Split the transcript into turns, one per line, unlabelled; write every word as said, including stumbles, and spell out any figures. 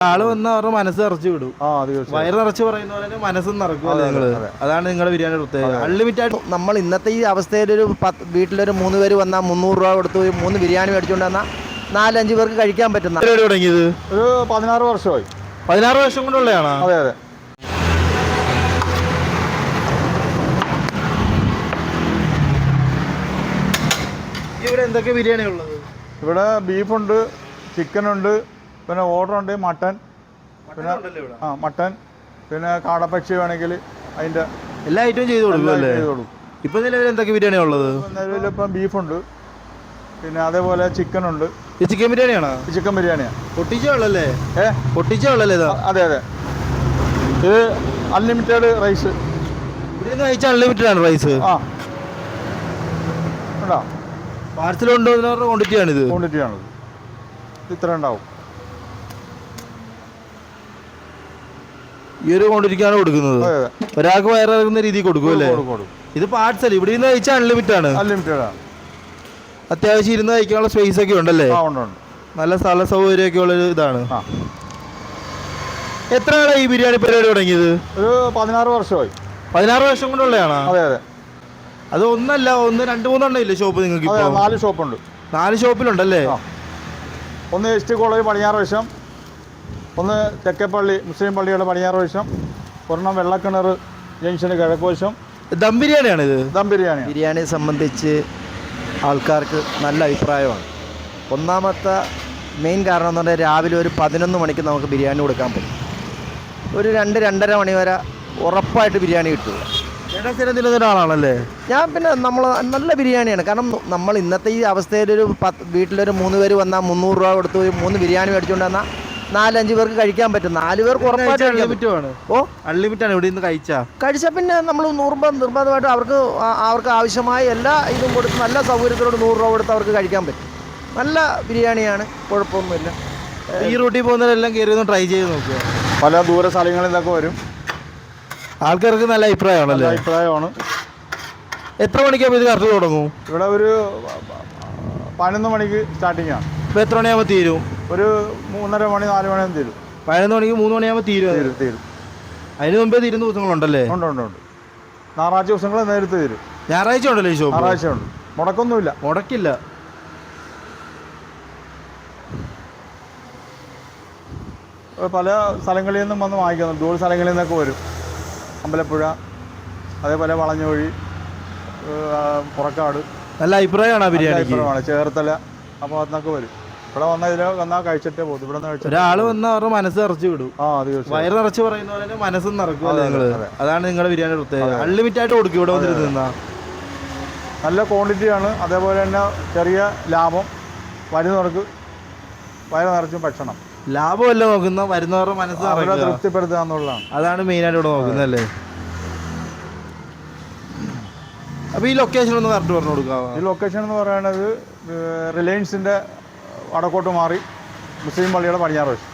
ആള് വന്ന് അവരുടെ മനസ്സ് നിറച്ച് വിടും. വയറ് നിറച്ച് പറയുന്ന പോലെ മനസ്സും നിറക്കും നിങ്ങള്. അതാണ് നിങ്ങളുടെ ബിരിയാണി പ്രത്യേകത. അൺലിമിറ്റഡ്.
നമ്മൾ ഇന്നത്തെ ഈ അവസ്ഥയിൽ ഒരു പത്ത് വീട്ടിലൊരു മൂന്ന് പേര് വന്നാൽ മുന്നൂറ് രൂപ കൊടുത്ത് മൂന്ന് ബിരിയാണി മേടിച്ചുകൊണ്ട് വന്നാൽ നാലഞ്ച് പേർക്ക് കഴിക്കാൻ പറ്റുന്ന.
തുടങ്ങിയത്
ഒരു പതിനാറ് വർഷമായി.
പതിനാറ് വർഷം കൊണ്ടുള്ളതാണോ?
അതെ അതെ.
ഇവിടെ എന്തൊക്കെ ബിരിയാണി ഉള്ളത്?
ഇവിടെ ബീഫുണ്ട്, ചിക്കനുണ്ട്, പിന്നെ ഓർഡറുണ്ട്, മട്ടൻ, പിന്നെ ആ മട്ടൻ, പിന്നെ കാടപ്പക്ഷി വേണമെങ്കിൽ അതിൻ്റെ
എല്ലാ ഐറ്റവും ചെയ്ത് കൊടുക്കും അല്ലേ?
ചെയ്ത് കൊടുക്കും.
ഇപ്പം നിലവിൽ എന്തൊക്കെ ബിരിയാണിയാണ് ഉള്ളത്?
നിലവിലിപ്പം ബീഫുണ്ട്, പിന്നെ അതേപോലെ ചിക്കനുണ്ട്.
ഈ ചിക്കൻ ബിരിയാണിയാണോ?
ചിക്കൻ ബിരിയാണിയാണ്.
പൊട്ടിച്ച ഉള്ളല്ലേ?
ഏ
പൊട്ടിച്ച ഉള്ളല്ലേ ഇതാ?
അതെ അതെ. ഇത് അൺലിമിറ്റഡ് റൈസ്.
ഇവിടെ നിന്ന് കഴിച്ചാൽ അൺലിമിറ്റഡ് ആണ് റൈസ്.
ആ ഉണ്ടോ?
പാർസൽ കൊണ്ടുവന്നവരുടെ ക്വാണ്ടിറ്റിയാണിത്.
ക്വാണ്ടിറ്റിയാണിത്. ഇത്ര ഉണ്ടാവും.
ഈ ഒരു ക്വാണ്ടിറ്റിക്കാണ് കൊടുക്കുന്നത്. ഒരാൾക്ക് വയറിറങ്ങുന്ന രീതിയിൽ കൊടുക്കും അല്ലേ? ഇത് പാർസൽ. ഇവിടെ നിന്ന് കഴിച്ചാൽ അൺലിമിറ്റഡ് ആണ്.
അൺലിമിറ്റഡ് ആണ്.
അത്യാവശ്യം ഇരുന്ന് കഴിക്കാനുള്ള സ്പേസ് ഒക്കെ ഉണ്ടല്ലേ? നല്ല സ്ഥല സൗകര്യമൊക്കെ ഉള്ള ഇതാണ്. എത്ര ആളാണ് ഈ ബിരിയാണി പരിപാടി തുടങ്ങിയത്?
ഒരു പതിനാറ് വർഷമായി.
പതിനാറ് വർഷം കൊണ്ടുള്ളതാണോ?
അതെ അതെ.
അത് ഒന്നല്ല, ഒന്ന് രണ്ട് മൂന്നെണ്ണം ഇല്ലേ ഷോപ്പ് നിങ്ങൾക്ക്?
നാല് ഷോപ്പുണ്ട്.
നാല് ഷോപ്പിലുണ്ടല്ലേ?
ഒന്ന് എസ് ടി കോളേജ് പടിഞ്ഞാറ് വശം, ഒന്ന് തെക്കേപ്പള്ളി മുസ്ലിം പള്ളിയുടെ പടിഞ്ഞാറ് വശം, ഒരെണ്ണം വെള്ളക്കിണർ ജംഗ്ഷന് കിഴക്ക് വശം.
ദം ബിരിയാണിയാണ് ഇത്.
ദം ബിരിയാണി.
ബിരിയാണിയെ സംബന്ധിച്ച് ആൾക്കാർക്ക് നല്ല അഭിപ്രായമാണ്. ഒന്നാമത്തെ മെയിൻ കാരണം എന്ന് പറഞ്ഞാൽ രാവിലെ ഒരു പതിനൊന്ന് മണിക്ക് നമുക്ക് ബിരിയാണി കൊടുക്കാൻ പറ്റും. ഒരു രണ്ട് രണ്ടര മണി വരെ ഉറപ്പായിട്ട് ബിരിയാണി കിട്ടുക.
ഒരാളാണല്ലേ
ഞാൻ? പിന്നെ നമ്മൾ നല്ല ബിരിയാണിയാണ്. കാരണം നമ്മൾ ഇന്നത്തെ ഈ അവസ്ഥയിലൊരു പത്ത് വീട്ടിലൊരു മൂന്ന് പേര് വന്നാൽ മുന്നൂറ് രൂപ കൊടുത്ത് മൂന്ന് ബിരിയാണി മേടിച്ചുകൊണ്ട് വന്നാൽ നാലഞ്ച് പേർക്ക് കഴിക്കാൻ പറ്റും. നാല് പേർക്ക് ഉറപ്പായിട്ട്
അൺലിമിറ്റഡ്. ഓ അൺലിമിറ്റഡ് ആണ്. ഇവിടെ നിന്ന് കഴിച്ചാൽ കഴിച്ചാൽ
പിന്നെ നമ്മൾ നിർബന്ധം നിർബന്ധമായിട്ട് അവർക്ക് അവർക്ക് ആവശ്യമായ എല്ലാ ഇതും കൊടുത്ത് നല്ല സൗകര്യത്തിലോട് നൂറ് രൂപ കൊടുത്ത് അവർക്ക് കഴിക്കാൻ പറ്റും. നല്ല ബിരിയാണിയാണ്, കുഴപ്പമൊന്നുമില്ല.
ഈ റൂട്ടിൽ പോകുന്നവരെല്ലാം കയറി ഒന്ന് ട്രൈ ചെയ്ത് നോക്കുക.
പല ദൂര സ്ഥലങ്ങളിൽ നിന്നൊക്കെ വരും.
ആൾക്കാർക്ക് നല്ല അഭിപ്രായമാണല്ലേ?
അഭിപ്രായമാണ്.
എത്ര മണിക്കാകുമ്പോൾ ഇത് കറക്റ്റ് തുടങ്ങും?
ഇവിടെ ഒരു പതിനൊന്ന് മണിക്ക് സ്റ്റാർട്ടിംഗ് ആണ്.
ഇപ്പോൾ എത്ര മണിയാകുമ്പോൾ തീരും?
ഒരു മൂന്നര മണി നാല് മണിയാകുമ്പോൾ തീരും.
പതിനൊന്ന് മണിക്ക് മൂന്ന് മണിയാകുമ്പോൾ തീരും.
തീരും തീരും.
അതിന് മുമ്പേ തീരുന്ന ദിവസങ്ങളുണ്ടല്ലേ?
ഉണ്ട് ഉണ്ട് ഉണ്ട്. ഞായറാഴ്ച ദിവസങ്ങൾ നേരത്തെ തീരും.
ഞായറാഴ്ച ഉണ്ടല്ലോ ഈ ഷോപ്പ്?
ഞായറാഴ്ച ഉണ്ട്. മുടക്കൊന്നുമില്ല.
മുടക്കില്ല.
പല സ്ഥലങ്ങളിൽ നിന്നും വന്ന് വാങ്ങിക്കുന്നു. ദൂര സ്ഥലങ്ങളിൽ നിന്നൊക്കെ വരും. അമ്പലപ്പുഴ, അതേപോലെ വളഞ്ഞുവഴി, പുറക്കാട്.
നല്ല അഭിപ്രായമാണ് ആ ബിരിയാണി.
അഭിപ്രായമാണ്. ചേർത്തല ആ ഭാഗത്തുനിന്നൊക്കെ വരും. ഇവിടെ വന്നാൽ ഇതിൽ വന്നാൽ കഴിച്ചിട്ടേ പോകും. ഇവിടെ നിന്ന്
ഒരാള് വന്ന് അവരുടെ മനസ്സ് നിറച്ച് വിടും.
ആ തീർച്ചയായും.
വയറ് നിറച്ച് പറയുന്ന പോലെ മനസ്സും നിറക്കും നിങ്ങള്. അതാണ് നിങ്ങളുടെ ബിരിയാണി പ്രത്യേകത. അൺലിമിറ്റഡ് ആയിട്ട് കൊടുക്കും ഇവിടെ വന്നിരുന്ന.
നല്ല ക്വാണ്ടിറ്റിയാണ്. അതേപോലെ തന്നെ ചെറിയ ലാഭം. വരുന്നവർക്ക് വയറ് നിറച്ചും ഭക്ഷണം.
ലാഭമല്ല നോക്കുന്ന, വരുന്നവരുടെ മനസ്സ്
തൃപ്തിപ്പെടുത്തുക എന്നുള്ളതാണ്.
അതാണ് മെയിനായിട്ട് ഇവിടെ നോക്കുന്നത് അല്ലേ? അപ്പോൾ ഈ ലൊക്കേഷൻ ഒന്ന് കറക്റ്റ് പറഞ്ഞു കൊടുക്കാമോ?
ഈ ലൊക്കേഷൻ എന്ന് പറയുന്നത് റിലയൻസിൻ്റെ വടക്കോട്ട് മാറി മുസ്ലിം പള്ളിയുടെ പടിഞ്ഞാറ് വശം.